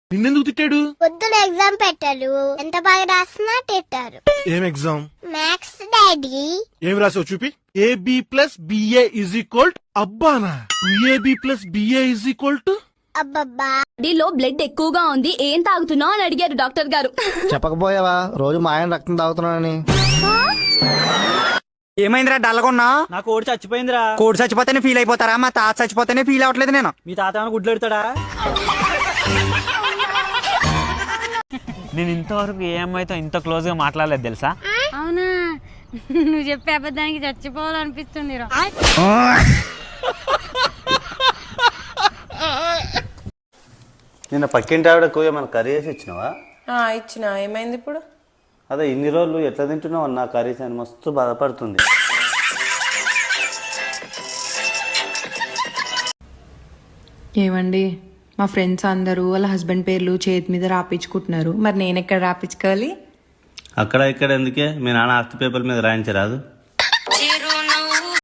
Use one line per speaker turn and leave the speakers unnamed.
నిన్నెందుకు తిట్టాడు?
పొద్దున ఎగ్జామ్ పెట్టారు, ఎంత బాగా రాసినా తిట్టారు.
ఏం ఎగ్జామ్?
Maths daddy.
ఏం రాసావు చూపి. AB + BA = అబ్బానా? AB + BA =
అబ్బబ్బా,
బాడీలో బ్లడ్ ఎక్కువగా ఉంది, ఏం తాగుతున్నావు అని అడిగారు డాక్టర్ గారు.
చెప్పకపోయావా రోజు మా ఆయన రక్తం తాగుతున్నానని?
ఏమైందిరా డల్లగొన్నా?
నా కోడి చచ్చిపోయిందిరా.
కోడి చచ్చిపోతేనే ఫీల్ అయిపోతారా? మా తాత చచ్చిపోతేనే ఫీల్ అవ్వట్లేదు నేను.
మీ తాత ఏమైనా గుడ్లు పెడతాడా?
నేను ఇంతవరకు ఏ అమ్మాయితో ఇంత క్లోజ్ గా మాట్లాడలేదు తెలుసా?
అవునా? నువ్వు చెప్పే అబద్ధానికి చచ్చిపోవాలనిపిస్తుంది.
నిన్న పక్కింటి ఆవిడకు ఏమైనా కర్రీ వేసి ఇచ్చినావా?
ఇచ్చిన. ఏమైంది ఇప్పుడు?
అదే ఇన్ని రోజులు ఎట్లా తింటున్నావు అన్న కర్రీస్ అని మస్తు బాధపడుతుంది.
ఏమండి, మా ఫ్రెండ్స్ అందరూ వాళ్ళ హస్బెండ్ పేర్లు చేతి మీద రాపించుకుంటున్నారు, మరి నేను ఎక్కడ రాపించుకోవాలి?
అక్కడ ఇక్కడ ఎందుకే, మీ నాన్న ఆస్తి పేపర్ మీద రాయించరాదు?